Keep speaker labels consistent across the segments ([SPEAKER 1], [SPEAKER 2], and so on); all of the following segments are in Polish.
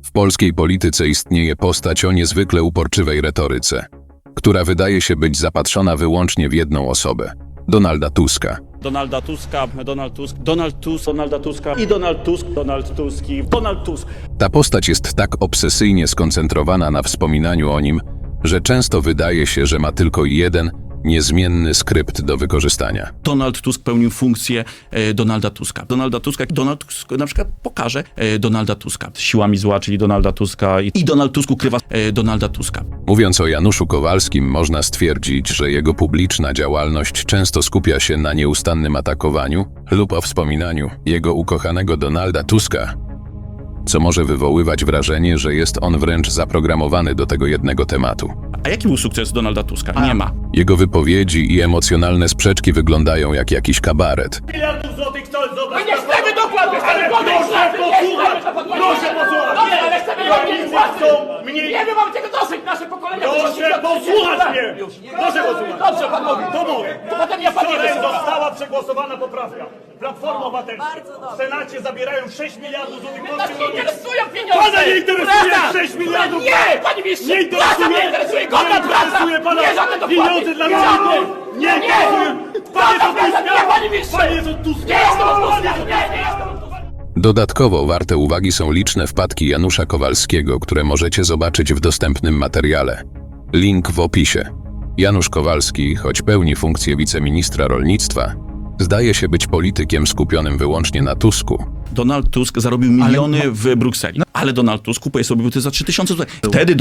[SPEAKER 1] W polskiej polityce istnieje postać o niezwykle uporczywej retoryce, która wydaje się być zapatrzona wyłącznie w jedną osobę – Donalda Tuska.
[SPEAKER 2] Donalda Tuska, Donald Tusk, Donald Tusk, Donalda Tuska i Donald Tusk, Donald Tusk i Donald Tusk.
[SPEAKER 1] Ta postać jest tak obsesyjnie skoncentrowana na wspominaniu o nim, że często wydaje się, że ma tylko jeden, niezmienny skrypt do wykorzystania.
[SPEAKER 2] Donald Tusk pełnił funkcję Donalda Tuska. Donald Tusk na przykład pokaże Donalda Tuska siłami zła, czyli Donalda Tuska i Donald Tusk ukrywa Donalda Tuska.
[SPEAKER 1] Mówiąc o Januszu Kowalskim, można stwierdzić, że jego publiczna działalność często skupia się na nieustannym atakowaniu lub o wspominaniu jego ukochanego Donalda Tuska, co może wywoływać wrażenie, że jest on wręcz zaprogramowany do tego jednego tematu.
[SPEAKER 2] A jaki był sukces Donalda Tuska? Nie ma.
[SPEAKER 1] Jego wypowiedzi i emocjonalne sprzeczki wyglądają jak jakiś kabaret.
[SPEAKER 3] Miliardów złotych chcą zobaczyć.
[SPEAKER 4] My nie chcemy dokładnie,
[SPEAKER 3] Ale proszę posłuchać! Proszę posłuchać!
[SPEAKER 4] Nie, ale chcemy
[SPEAKER 3] Rolnicy
[SPEAKER 4] robić własne.
[SPEAKER 3] chcą mniej...
[SPEAKER 4] Nie, my mamy tego dosyć, nasze pokolenia...
[SPEAKER 3] Proszę posłuchać mnie! Proszę posłuchać!
[SPEAKER 4] Dobrze, pan mówi.
[SPEAKER 3] To mówię.
[SPEAKER 4] To potem ja pan nie
[SPEAKER 3] Wczoraj
[SPEAKER 4] wysłucham.
[SPEAKER 3] została przegłosowana poprawka. Platforma Obywatelska. W Senacie zabierają 6 miliardów złotych
[SPEAKER 4] Nas
[SPEAKER 3] polskich
[SPEAKER 4] nie
[SPEAKER 3] rolników.
[SPEAKER 4] interesują pieniądze!
[SPEAKER 3] Pana nie interesuje
[SPEAKER 4] Praca!
[SPEAKER 3] 6 miliardów!
[SPEAKER 4] Nie, panie ministrze!
[SPEAKER 3] Nie
[SPEAKER 4] Praca
[SPEAKER 3] interesuje!
[SPEAKER 4] mnie interesuje! Godna
[SPEAKER 3] Nie
[SPEAKER 4] praca!
[SPEAKER 3] interesuje pana
[SPEAKER 4] Nie żadne dopłaty!
[SPEAKER 3] pieniądze dla
[SPEAKER 4] Nie żadne!
[SPEAKER 3] rolników! Nie
[SPEAKER 4] Nie!
[SPEAKER 3] interesuje! Panie
[SPEAKER 4] Praca,
[SPEAKER 3] to
[SPEAKER 4] praca!
[SPEAKER 3] Tuska!
[SPEAKER 4] Nie, panie ministrze!
[SPEAKER 3] Panie to Tuska!
[SPEAKER 4] Nie jestem od Tuska! Nie jestem od Tuska!
[SPEAKER 1] Dodatkowo warte uwagi są liczne wpadki Janusza Kowalskiego, które możecie zobaczyć w dostępnym materiale. Link w opisie. Janusz Kowalski, choć pełni funkcję wiceministra rolnictwa, zdaje się być politykiem skupionym wyłącznie na Tusku.
[SPEAKER 2] Donald Tusk zarobił miliony w Brukseli, ale Donald Tusk kupuje sobie buty za 3000 zł.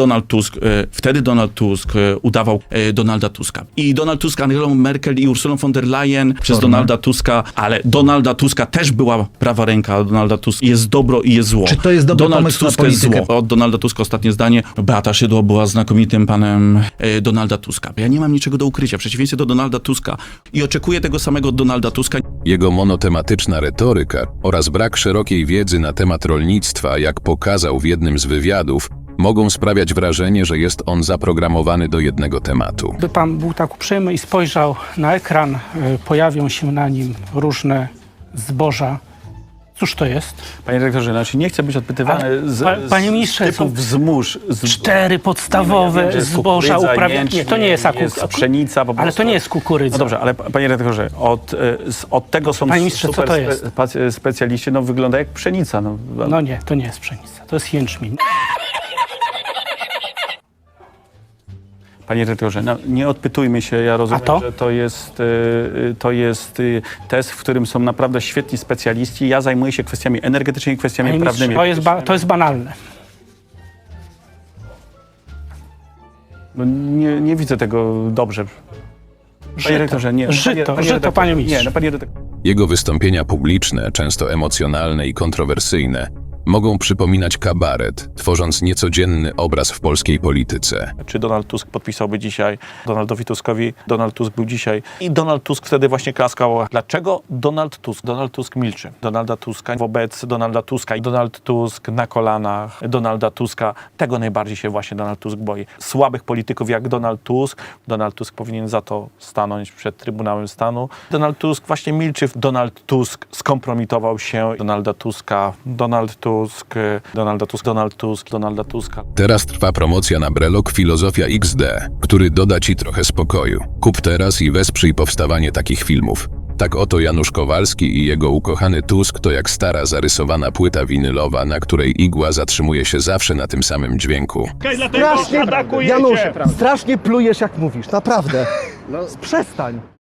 [SPEAKER 2] Wtedy Donald Tusk udawał Donalda Tuska. I Donald Tusk, Angelą Merkel i Ursulą von der Leyen przez Donalda Tuska, ale Donalda Tuska też była prawa ręka. Donalda Tusk jest dobro i jest zło.
[SPEAKER 5] Czy to jest dobry
[SPEAKER 2] Donald
[SPEAKER 5] pomysł na
[SPEAKER 2] Tusk jest
[SPEAKER 5] politykę?
[SPEAKER 2] zło. Od Donalda Tuska ostatnie zdanie. Beata Szydło była znakomitym panem Donalda Tuska. Ja nie mam niczego do ukrycia, w przeciwieństwie do Donalda Tuska i oczekuję tego samego od Donalda Tuska.
[SPEAKER 1] Jego monotematyczna retoryka oraz brak szerokiej wiedzy na temat rolnictwa, jak pokazał w jednym z wywiadów, mogą sprawiać wrażenie, że jest on zaprogramowany do jednego tematu.
[SPEAKER 6] By pan był tak uprzejmy i spojrzał na ekran, pojawią się na nim różne zboża. Cóż to jest?
[SPEAKER 7] Panie dyrektorze, znaczy nie chcę być odpytywany
[SPEAKER 6] Panie ministrze,
[SPEAKER 7] z typów wzmóż.
[SPEAKER 6] 4 podstawowe zboża uprawiane. Nie, to nie jest
[SPEAKER 7] pszenica. Po
[SPEAKER 6] ale to
[SPEAKER 7] prostu.
[SPEAKER 6] nie jest kukurydza.
[SPEAKER 7] No dobrze, ale panie dyrektorze, od tego są
[SPEAKER 6] Panie ministrze, co to jest?
[SPEAKER 7] specjaliści, no wygląda jak pszenica.
[SPEAKER 6] No nie, to nie jest pszenica, to jest jęczmień.
[SPEAKER 7] Panie dyrektorze, no, nie odpytujmy się, ja rozumiem,
[SPEAKER 6] to?
[SPEAKER 7] że to jest test, w którym są naprawdę świetni specjaliści. Ja zajmuję się kwestiami energetycznymi, kwestiami
[SPEAKER 6] Panie ministrze,
[SPEAKER 7] prawnymi.
[SPEAKER 6] to jest banalne.
[SPEAKER 7] No, nie widzę tego dobrze. Panie dyrektorze, nie.
[SPEAKER 6] Żyto, panie ministrze.
[SPEAKER 7] Nie, no, panie dyrektorze.
[SPEAKER 1] Jego wystąpienia publiczne, często emocjonalne i kontrowersyjne, mogą przypominać kabaret, tworząc niecodzienny obraz w polskiej polityce.
[SPEAKER 8] Czy Donald Tusk podpisałby dzisiaj Donaldowi Tuskowi? Donald Tusk był dzisiaj i Donald Tusk wtedy właśnie klaskał. Dlaczego Donald Tusk? Donald Tusk milczy. Donalda Tuska wobec Donalda Tuska i Donald Tusk na kolanach Donalda Tuska. Tego najbardziej się właśnie Donald Tusk boi. Słabych polityków jak Donald Tusk. Donald Tusk powinien za to stanąć przed Trybunałem Stanu. Donald Tusk właśnie milczy. Donald Tusk skompromitował się. Donalda Tuska. Donald Tusk. Donalda Tusk. Donald Tusk. Donalda Tuska.
[SPEAKER 1] Teraz trwa promocja na Brelok Filozofia XD, który doda ci trochę spokoju. Kup teraz i wesprzyj powstawanie takich filmów. Tak oto Janusz Kowalski i jego ukochany Tusk to jak stara zarysowana płyta winylowa, na której igła zatrzymuje się zawsze na tym samym dźwięku.
[SPEAKER 3] Dlatego
[SPEAKER 9] Strasznie,
[SPEAKER 3] atakujecie.
[SPEAKER 9] Janusz, strasznie plujesz jak mówisz, naprawdę. Przestań.